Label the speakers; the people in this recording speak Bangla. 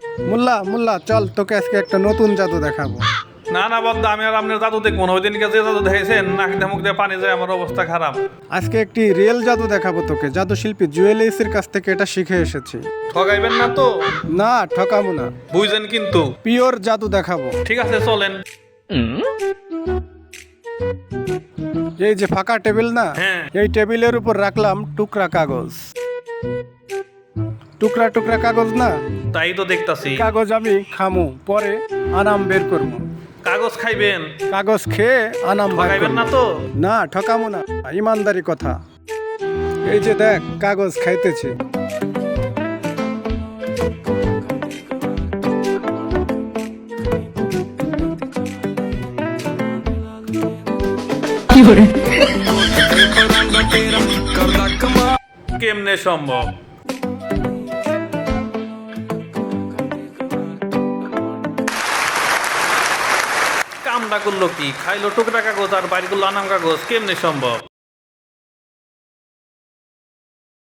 Speaker 1: মুল্লা মুল্লা চল তোকে আজকে একটা নতুন জাদু দেখাবো।
Speaker 2: না না বদ্দা, আমি আর আপনার জাদু দেখবো না। ওই দিনকে যে জাদু দেখেছেন নাক দিয়ে মুখ দিয়ে পানি যায়, আমার অবস্থা খারাপ।
Speaker 1: আজকে একটি রিয়েল জাদু দেখাবো তোকে। জাদু শিল্পী জুয়েলিসের কাছ থেকে এটা শিখে এসেছি।
Speaker 2: ঠগাইবেন না তো?
Speaker 1: না ঠকাবো না,
Speaker 2: বুঝছেন কিন্তু।
Speaker 1: পিওর জাদু দেখাবো।
Speaker 2: ঠিক আছে চলেন।
Speaker 1: এই যে ফাঁকা টেবিল না,
Speaker 2: হ্যাঁ।
Speaker 1: এই টেবিলের উপর রাখলাম টুকরা কাগজ। টুকরা টুকরা কাগজ না,
Speaker 2: তাই তো দেখতাছি।
Speaker 1: কাগজ আমি খামু, পরে আনাম বের করবো।
Speaker 2: কাগজ খাইবেন?
Speaker 1: কাগজ খেয়ে আনাম বের
Speaker 2: ঠগাইবেন
Speaker 1: করবো।
Speaker 2: না তো?
Speaker 1: না ঠকামো না, ইমানদারি কথা। এই যে দেখ কাগজ খাইতেছি।
Speaker 2: কেমনে সম্ভব? কামটা করলো কি? খাইলো টুকরা কাগজ আর বাইরে করলো আনাম কাগজ, কেমনে সম্ভব?